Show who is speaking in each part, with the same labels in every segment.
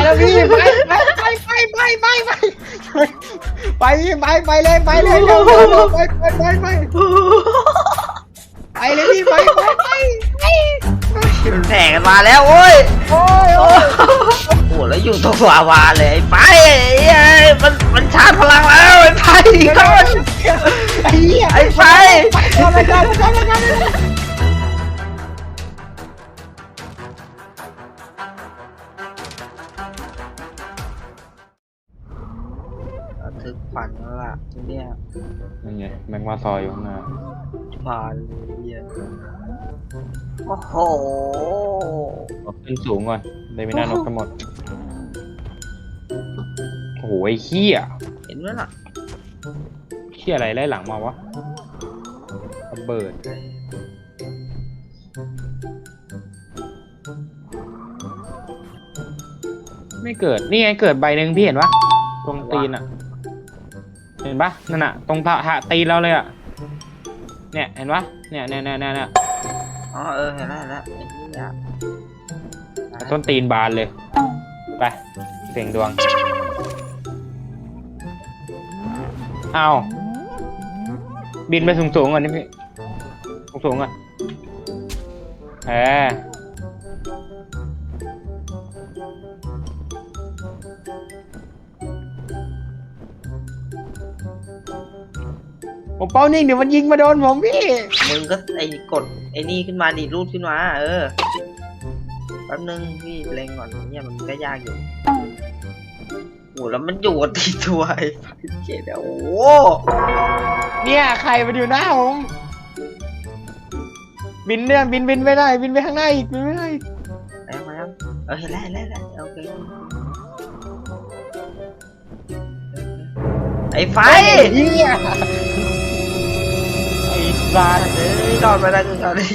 Speaker 1: แล้วพี่ไปเลยเร็วไปเลยพี่ไป
Speaker 2: แข่งกันมาแล้วโอ้ย
Speaker 1: โอ้ย
Speaker 2: โอ้โหแล้วอยู่ตรงวาวาเลยไอ้ไปไอ้มันชาร์จพลังแล้วไอ้ไปก่อน
Speaker 1: ไอ้เหี้ย
Speaker 2: ไอ้ไป
Speaker 1: ทำอะไรกัน
Speaker 2: ถึกฝันแล้วล่ะทีเนี้ย
Speaker 3: นั่นไงแมงมาซอยอยู่ข้างหน้า
Speaker 2: มาเลยเนี่ยโอ้โห
Speaker 3: เอาขึ้นสูงก่อนได้ไม่น่านกกันหมดโอ้โหไอ้เหี้ย
Speaker 2: เห็นไหมล่ะ
Speaker 3: เหี้ยอะไรไล่หลังมาวะระเบิดไม่เกิดนี่ไงเกิดใบหนึ่งพี่เห็นปะตรงตีนอ่ะเห็นปะนั่นอ่ะตรงตีนเราเลยอ่ะเนี่ยเห็นปะเนี่ย
Speaker 2: อ๋อเห็นแล้วไอ้ที่อ่ะ
Speaker 3: ต้นตีนบานเลยไปเสียงดวงเอาบินไปสูงก่อนนี่พี่สูงก่อนผมเป้านิ่งเดี๋ยวมันยิงมาโดนผมพี่
Speaker 2: มึงก็กดไอ้นี่ขึ้นมาดิรูดขึ้นมาแป๊บนึงพี่เล็งก่อนเนี่ยมันก็ยากอยู่โอ้แล้วมันอยู่กับตีตัวไอ้เจ็ดโอ้
Speaker 1: เนี่ยใครมาอยู่หน้าผมบินเนี่ยบินไม่ได้บินไปข้างหน้าอีกบินไม่ได้
Speaker 2: แล้วเห็นแล้วโอเคไอ้ไฟ
Speaker 1: เหี้ยไอ้สัตว์
Speaker 2: รอดไปได้คือตอนนี้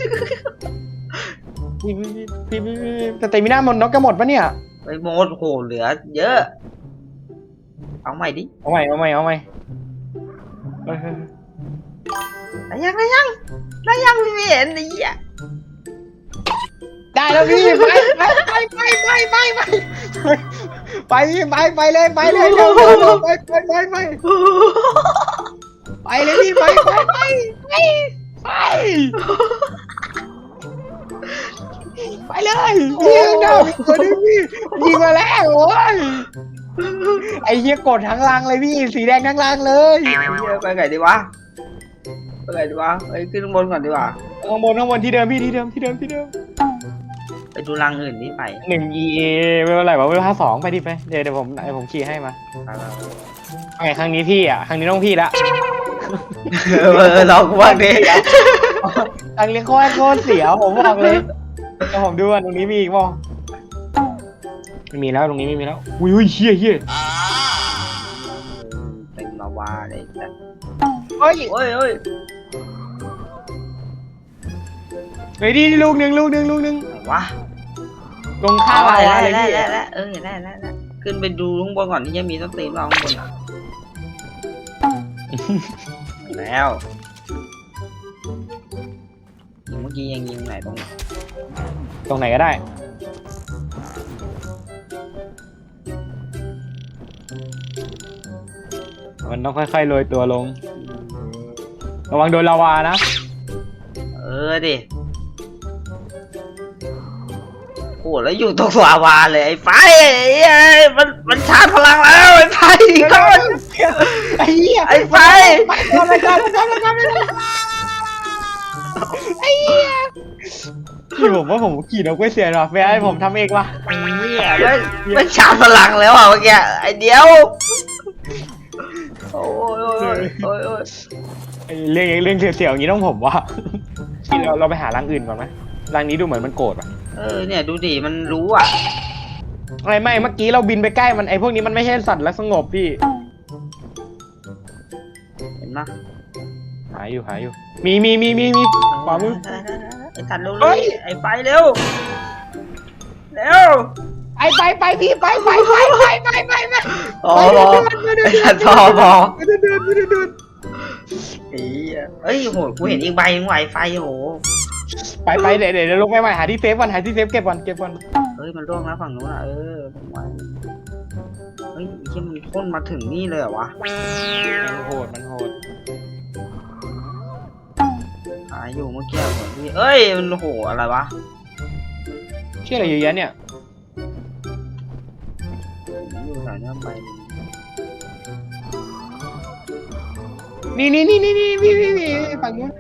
Speaker 1: พี่แต่เตมิน่าหมดนกก็หมดปะเนี่ย
Speaker 2: ไปโมดโหเหลือเยอะเอาใหม่ดิ
Speaker 3: เอาใหม่
Speaker 2: ได้ยังพี่ไม่เห็นไอ้เหี้ย
Speaker 1: ได้แล้วพี่ไปเลยเร็วไปเลยพี่ไปเลยยิงดาวตัวนี้พี่ยิงมาแล้วโอ้ยไอ้เหี้ยกดทั้งรังเลยพี่สีแดงทั้งรังเลย
Speaker 2: ไอ้เหี้ยไปไงดีวะไปขึ้นข้างบนก่อนดีกว่า
Speaker 1: ข้างบนที่เดิมพี่ที่เดิม
Speaker 2: ไปดูรังอื่นนี่ไป
Speaker 3: 1 EA ไม่เป็นไรวะเวลา2ไปดิไปเดี๋ยวผมขี่ให้มาไงครั้งนี้พี่อ่ะครั้งนี้ต้องพี่ละ
Speaker 2: ลองว่าดิ
Speaker 1: ทางเลี้ยงโคตรเสียวผมบอกเลยเดี๋ยวผมดูว่าตรงนี้มีอีกมั้ง
Speaker 3: ไม่มีแล้วตรงนี้ไม่มีแล้วอุ้ยเหี้ย
Speaker 2: เป็นมาวาเลยจ้ะ
Speaker 1: เฮ้ย
Speaker 2: เฮ้ย
Speaker 1: ไปดิลูกหนึ่ง
Speaker 2: ไหนวะ
Speaker 1: ลงข้าว
Speaker 2: เห็น
Speaker 1: เลยพี่
Speaker 2: แล้วเห็นแล้วขึ้นไปดูข้างบนก่อนที่จะมีต้นตีนเราข้างบนอ่ะแล้วเมื่อกี้ยังยิงไหนตรงไหน
Speaker 3: ตรงไหนก็ได้มันต้องค่อยๆโรยตัวลงระวังโดนลาวานะ
Speaker 2: ดิโอ้แล้วอยู่ตรงวาวาเลยไอ้ไฟมันชาร์จพลังแล้วไอ้ไฟก่อน
Speaker 1: ไอ้เหี้ย
Speaker 2: ไอ้ไฟ
Speaker 1: ทำอะไรกันไอ้เหี้ยพี่ผมว่าผมขี่นกไม่เสียหรอกแม่ให้ผมทำเองวะ
Speaker 2: มันชาร์จพลังแล้วอ่ะเมื่อกี้ไอ้เดียวโอ้ย
Speaker 3: ไอ้เรื่องเสียวๆอย่างนี้ต้องผมว่าที่เราไปหารังอื่นก่อนไหมรังนี้ดูเหมือนมันโกรธอ่ะ
Speaker 2: เนี่ยดูดิมันรู้อ่ะ
Speaker 3: ไม่เมื่อกี้เราบินไปใกล้มันไอ้พวกนี้มันไม่ใช่สัตว์รักสงบพี่
Speaker 2: เห็นไหม
Speaker 3: หาอยู่มีขวามือ
Speaker 2: ไอ้ทันเร็วไอ้ไฟเร็ว
Speaker 1: ไปพี่ไป
Speaker 2: อ๋อไอ้ทันทอบอ
Speaker 1: เดิน
Speaker 2: เฮ้ยโหกูเห็นอีกใบนึงไวไฟโห
Speaker 3: ไปเดี๋ยวลงไปใหม่หาที่เซฟก่อนหาที่เซฟเก็บก่อน
Speaker 2: เฮ้ยมันร่วงแล้วฝั่งนู้นอ่ะผมไว้เฮ้ยไอ้เหี้ยมันพ่นมาถึงนี่เลยเหรอวะ
Speaker 3: มันโหด
Speaker 2: หายอยู่เมื่อกี้เหมือนที่เอ้ยมันโอ้โหอะไรวะ
Speaker 3: เชื่ออะไรเยอะแยะเนี่ย
Speaker 2: ผมอยู่แถวเนี้ยไป
Speaker 3: นี่พี่ฝั่งนู้น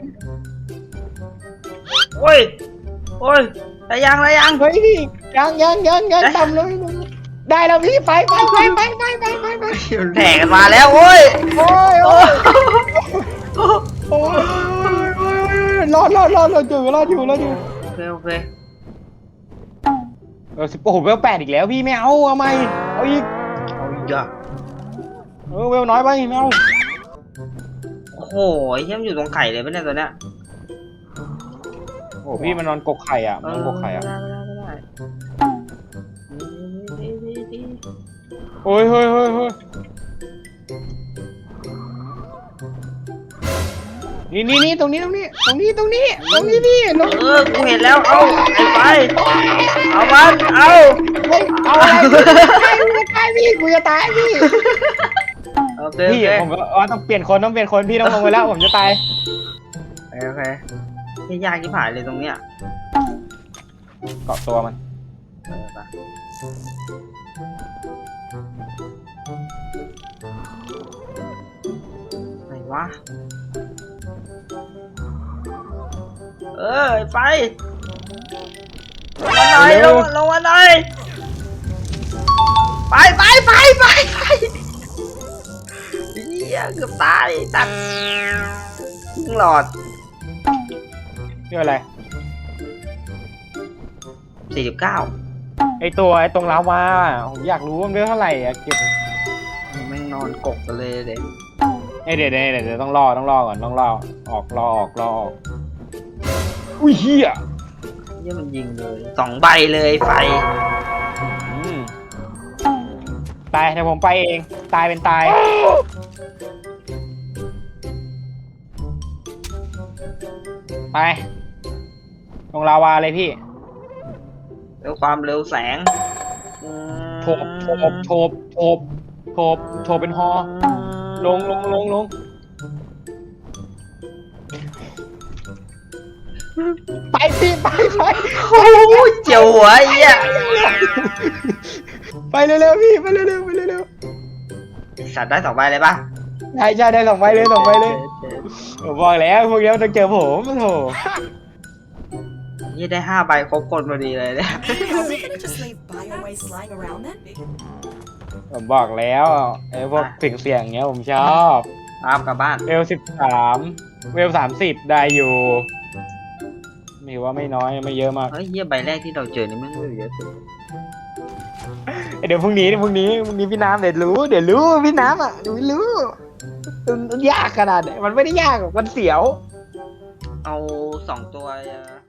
Speaker 2: โอ้ยได้ยัง
Speaker 3: เฮ้ยพี่ยังต่ำเลยได้แล้วพี่ไป
Speaker 2: แถกันมาแล้วโอ้ย
Speaker 3: โอ้ยรอดอยู่
Speaker 2: โอเค
Speaker 3: โอ้โหเวล8อีกแล้วพี่ไม่เอาไหมเอาอีก
Speaker 2: เอาอีกอ่ะ
Speaker 3: เวลน้อยไปไม่เอา
Speaker 2: โอ้โหไอ้เหี้ยมันอยู่ตรงไข่เลยปะเนี่ยตัวเนี้ย
Speaker 3: โอ้พี่มันนอนกกไข่อ่ะมันนอนกกไข่อ่ะ
Speaker 2: ไม่ได้
Speaker 3: โอ้ยนี่ตรงนี้พี่ลง
Speaker 2: กูเห็นแล้วเอาไอ้ไปเอามันเอา
Speaker 3: เอาอะไรกูจะตายพี่
Speaker 2: โอเค
Speaker 3: พี่ผมว่าต้องเปลี่ยนคนพี่ต้องลงไปแล้วผมจะตาย
Speaker 2: โอเคที่ยากที่ผ่านเลยตรงเนี้ย
Speaker 3: เกาะตัวมัน
Speaker 2: ไปไหนวะไปลงมาหน่อยไปเหี้ยเกือบตายตัดหลอด
Speaker 3: เรื่องอะไร
Speaker 2: 49
Speaker 3: ไอตรงลาวาผมอยากรู้ว่ามันเรื่องเท่าไหร่อะเก็บ
Speaker 2: แม่งนอนกกกันเลยเด็ก
Speaker 3: เดี๋ยวต้องรอก่อนต้องรอออกอุ้ยเฮีย
Speaker 2: เนี่ยมันยิงเลย2 ใบเลยไฟ
Speaker 3: ตายเดี๋ยวผมไปเองตายเป็นตายไปลงลาวาเลยพี่
Speaker 2: แล้วความเร็วแสง
Speaker 3: โฉบเป็นฮอลงไปพี่ไป
Speaker 2: โอ้ยเจียวหัวไอ้เหี้ย
Speaker 3: ไปเร็วๆพี่ไปเร็ว
Speaker 2: สัตว์ได้2 ใบเลยปะ
Speaker 3: ใช่ได้2 ใบเลยผมบอกแล้วพวกนี้ต้องเจอผมโถ
Speaker 2: นี่ได้5 ใบครบคนพอดีเลยเนี่ย
Speaker 4: Just leave biowaste lying around then?
Speaker 3: ผมบอกแล้วไอ้พวกเสียงเงี้ยผมชอบ
Speaker 2: กลับบ้าน
Speaker 3: เวล13เวล30ได้อยู่มีว่าไม่น้อยไม่เยอะมาก
Speaker 2: เฮ้ยเหี้ยใบแรกที่เราเจอนี่แม่งไม่เยอะสุด
Speaker 3: เดี๋ยวพรุ่งนี้พี่น้ำเดี๋ยวรู้พี่น้ำอ่ะเดี๋ยวรู้มันยากขนาดไหนมันไม่ได้ยากหรอกมันเสียว
Speaker 2: เอา2 ตัว